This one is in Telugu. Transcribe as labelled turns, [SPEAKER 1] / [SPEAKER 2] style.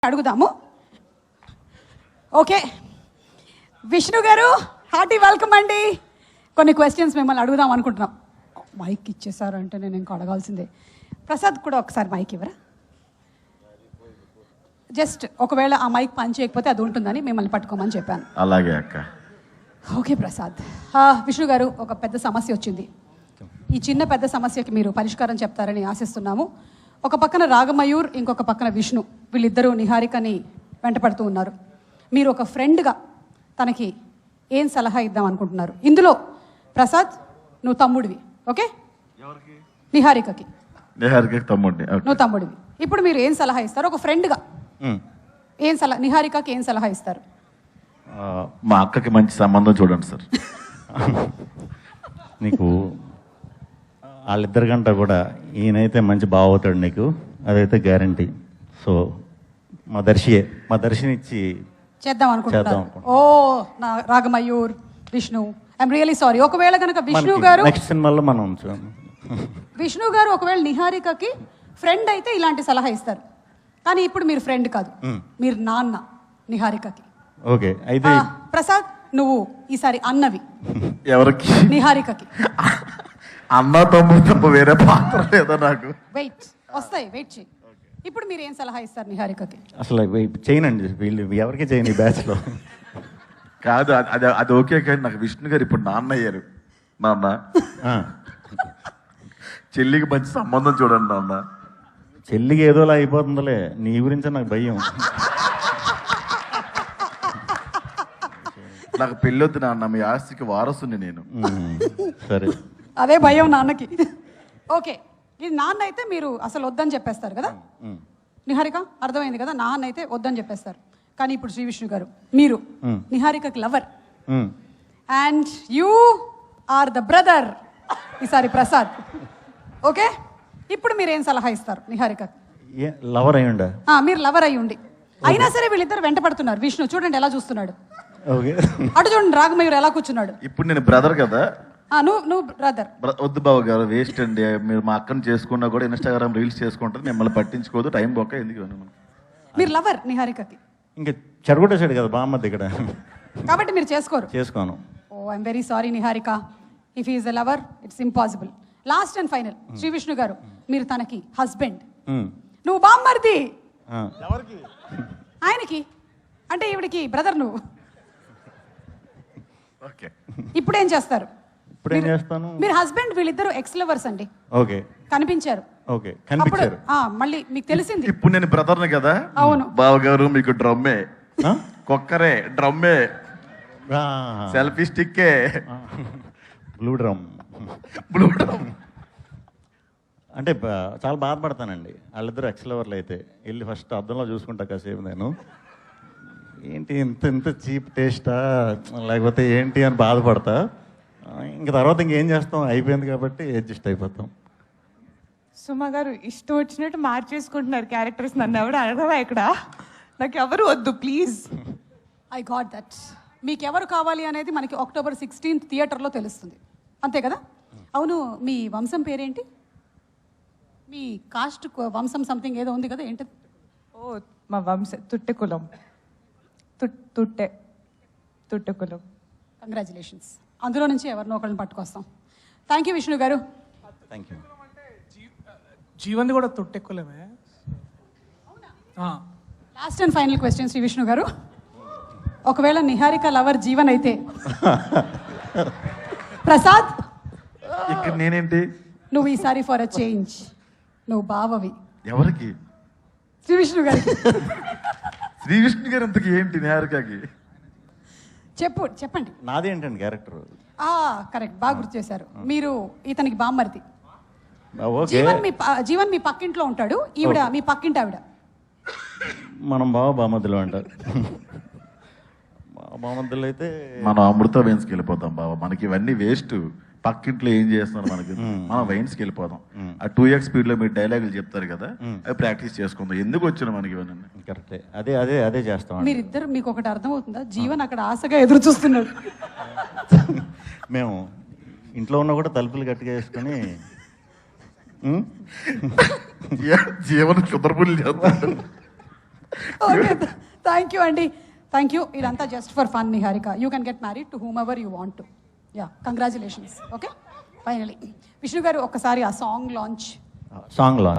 [SPEAKER 1] అడుగుదాము. ఓకే, విష్ణు గారు హార్టీ వెల్కమ్ అండి. కొన్ని క్వశ్చన్స్ మిమ్మల్ని అడుగుదాం అనుకుంటున్నాం. మైక్ ఇచ్చేసారు అంటే నేను ఇంకా అడగాల్సిందే. ప్రసాద్ కూడా ఒకసారి మైక్ ఇవ్వరా? జస్ట్ ఒకవేళ ఆ మైక్ పని చేయకపోతే అది ఉంటుందని మిమ్మల్ని పట్టుకోమని చెప్పాను.
[SPEAKER 2] అలాగే అక్క.
[SPEAKER 1] ఓకే ప్రసాద్. విష్ణు గారు, ఒక పెద్ద సమస్య వచ్చింది. ఈ చిన్న పెద్ద సమస్యకి మీరు పరిష్కారం చెప్తారని ఆశిస్తున్నాము. ఒక పక్కన రాగమయూర్, ఇంకొక పక్కన విష్ణు, వీళ్ళిద్దరూ నిహారికని వెంటపడుతూ ఉన్నారు. మీరు ఒక ఫ్రెండ్గా తనకి ఏం సలహా ఇద్దాం అనుకుంటున్నారు? ఇందులో ప్రసాద్ నువ్వు తమ్ముడివి, ఓకే? నిహారికకి
[SPEAKER 2] తమ్ముడిని,
[SPEAKER 1] నువ్వు తమ్ముడివి. ఇప్పుడు మీరు ఏం సలహా ఇస్తారు ఒక ఫ్రెండ్గా? ఏం సలహా, నిహారికకి ఏం సలహా ఇస్తారు?
[SPEAKER 2] మా అక్కకి మంచి సంబంధం చూడండి సార్.
[SPEAKER 3] నీకు వాళ్ళిద్దరి కంటే కూడా ఈయనైతే మంచి బావ అవుతాడు నీకు, అదైతే గ్యారంటీ. సో మా దర్శిని ఇచ్చి
[SPEAKER 1] చేద్దాం అనుకుంటున్నారు. ఓ నా Ragamayur, Vishnu, I'm really sorry. ఒకవేళ కనుక విష్ణు గారు
[SPEAKER 3] నెక్స్ట్ సినిమాలో మనం
[SPEAKER 1] విష్ణు గారు ఒకవేళ నిహారికకి ఫ్రెండ్ అయితే ఇలాంటి సలహా ఇస్తారు. కానీ ఇప్పుడు మీరు ఫ్రెండ్ కాదు, మీరు నాన్న నిహారికకి.
[SPEAKER 3] ఓకే, అయితే
[SPEAKER 1] ప్రసాద్ నువ్వు ఈసారి అన్నవి.
[SPEAKER 2] ఎవరికి?
[SPEAKER 1] నిహారికకి.
[SPEAKER 2] అన్న తమ్ముడు వేరే పాత్ర లేదా నాకు?
[SPEAKER 1] వెయిట్ వస్తాయి, వెయిట్ చేయి. ఇప్పుడు మీరు ఏం సలహా ఇస్తారు నిహారికకి?
[SPEAKER 3] అసలు చేయనండి, వీళ్ళు ఎవరికి చేయని బ్యాచ్ లో
[SPEAKER 2] కాదు. అది ఓకే, కానీ నాకు విష్ణు గారు ఇప్పుడు నాన్న అయ్యారు. నాన్న చెల్లికి మంచి సంబంధం చూడండి నాన్న.
[SPEAKER 3] చెల్లికి ఏదోలా అయిపోతుందిలే, నీ గురించి నాకు భయం.
[SPEAKER 2] నాకు పెళ్ళొద్దు నాన్న, మీ ఆస్తికి వారసుని నేను.
[SPEAKER 3] సరే,
[SPEAKER 1] అదే భయం నాన్నకి. ఓకే, ఇది నాన్న అయితే మీరు అసలు వద్దని చెప్పేస్తారు కదా నిహారిక, అర్థమైంది కదా? నాన్న అయితే వద్దని చెప్పేస్తారు. కానీ ఇప్పుడు శ్రీ విష్ణు గారు, మీరు నిహారికకి lover and you are the brother ఈసారి ప్రసాద్, ఓకే? ఇప్పుడు మీరు ఏం సలహా ఇస్తారు నిహారికకి?
[SPEAKER 3] లవర్ అయ్యుండా?
[SPEAKER 1] మీరు లవర్ అయ్యి ఉండి అయినా సరే వీళ్ళిద్దరు వెంట పడుతున్నారు. విష్ణు చూడండి ఎలా చూస్తున్నాడు, అటు చూడండి రాగమయూర్ ఎలా కూర్చున్నాడు.
[SPEAKER 2] ఇప్పుడు నేను బ్రదర్ కదా.
[SPEAKER 1] నువ్వు బ్రదర్.
[SPEAKER 2] వద్దు బావ గారు, వేస్ట్ అండి. మీరు మా అక్కను చేసుకున్నా కూడా ఇన్స్టాగ్రామ్ రీల్స్ చేసుకుంటారు, మిమ్మల్ని పట్టించుకోదు, టైం పోక ఎందుకు.
[SPEAKER 1] మీరు లవర్ నిహారికకి,
[SPEAKER 3] ఇంకా చెడగొట్టేసాడు కదా బామ్మద్ది ఇక్కడ,
[SPEAKER 1] కాబట్టి మీరు చేసుకోను. Oh I'm very sorry Niharika, if is a lover it's impossible. Last and final, Shri Vishnu garu, మీరు తనకి హస్బెండ్, నువ్వు బామ్మర్ది ఆయనకి, అంటే ఈవిడికి బ్రదర్ నువ్వు. ఇప్పుడు ఏం చేస్తారు? మీరు హస్బెండ్, వీళ్ళిద్దరు ఎక్స్ లవర్స్ అండి.
[SPEAKER 3] ఓకే,
[SPEAKER 1] కనిపించారు.
[SPEAKER 3] ఓకే, కనిపించారు.
[SPEAKER 1] మళ్ళీ మీకు తెలిసింది.
[SPEAKER 2] ఇప్పుడు నేను బ్రదర్ని కదా.
[SPEAKER 1] అవును
[SPEAKER 2] బావగారు, మీకు డ్రమ్మే, కుక్కరే, డ్రమ్మే, సెల్ఫీ స్టిక్కే,
[SPEAKER 3] బ్లూ డ్రమ్. అంటే చాలా బాధపడతానండి వాళ్ళిద్దరు ఎక్స్లవర్లు అయితే. వెళ్ళి ఫస్ట్ అద్దంలో చూసుకుంటా కాసేపు నేను, ఏంటి ఇంత ఇంత చీప్ టేస్టా లేకపోతే ఏంటి అని బాధపడతా. ఇంకా తర్వాత ఇంకేం చేస్తాం, అయిపోయింది కాబట్టి అడ్జస్ట్ అయిపోతాం.
[SPEAKER 4] సుమ గారు ఇష్టం వచ్చినట్టు మార్చేసుకుంటున్నారు క్యారెక్టర్స్. నన్ను ఎవరు అడగరా ఇక్కడ, నాకు ఎవరు వద్దు ప్లీజ్.
[SPEAKER 1] I got that. మీకు ఎవరు కావాలి అనేది మనకి October 16th థియేటర్లో తెలుస్తుంది, అంతే కదా? అవును, మీ వంశం పేరేంటి? మీ కాస్ట్ వంశం సంథింగ్ ఏదో ఉంది కదా, ఏంటి?
[SPEAKER 4] ఓ మా వంశ తుట్టె కులం. తుట్టె కులం.
[SPEAKER 1] కంగ్రాచులేషన్స్. అందులో నుంచి ఎవరినో ఒకరిని పట్టుకొస్తాం. థ్యాంక్ యూ విష్ణు గారు.
[SPEAKER 3] Thank you.
[SPEAKER 5] జీవన్ కూడా తొట్టెక్కులమే.
[SPEAKER 1] Last and final question Shri Vishnu garu, ఒకవేళ నిహారిక లవర్ జీవన్ అయితే ప్రసాద్
[SPEAKER 2] ఇక్కడ నేనేంటి?
[SPEAKER 1] నువ్వు ఈసారి ఫర్ అ చేంజ్ నువ్వు బావవి.
[SPEAKER 2] ఎవరికి?
[SPEAKER 1] శ్రీ విష్ణు గారికి.
[SPEAKER 2] శ్రీ విష్ణు గారు అంతకి ఏంటి నిహారికకి?
[SPEAKER 1] చెప్పండి.
[SPEAKER 3] నాది ఏంటండి క్యారెక్టర్?
[SPEAKER 1] కరెక్ట్, బాగా గుర్తు చేశారు. మీరు ఇతనికి బామ్మర్ది. జీవన్ మీ పక్కింట్లో ఉంటాడు, ఈవిడ మీ పక్కింటి ఆవిడ.
[SPEAKER 3] మనం బామద్దులు అంటారు. బామద్దులు అయితే
[SPEAKER 2] మనం అమృత వైన్స్కి వెళ్ళిపోతాం బాబా. మనకి ఇవన్నీ వేస్ట్. పక్కింట్లో ఏం చేస్తున్నారు మనకి, మనం వైన్స్కి వెళ్ళిపోదాం. ఆ 2x స్పీడ్లో మీరు డైలాగులు చెప్తారు కదా, అవి ప్రాక్టీస్ చేసుకుందాం. ఎందుకు వచ్చిన మనకి ఇవన్నీ?
[SPEAKER 3] కరెక్టే, అదే అదే అదే చేస్తాం.
[SPEAKER 1] మీరిద్దరు, మీకు ఒకటి అర్థమవుతుందా? జీవన్ అక్కడ ఆశగా ఎదురు చూస్తున్నాడు.
[SPEAKER 3] మేము ఇంట్లో ఉన్న కూడా తలుపులు గట్టిగా వేసుకొని
[SPEAKER 2] జీవన క్షుద్రపుల్లి చేస్తాడు.
[SPEAKER 1] ఓకే థ్యాంక్ యూ అండి థ్యాంక్ యూ ఇదంతా just for fun Niharika you can get married to whomever you want to yeah congratulations okay finally Vishnu garu ఒక్కసారి ఆ సాంగ్ లాంచ్
[SPEAKER 3] సాంగ్లో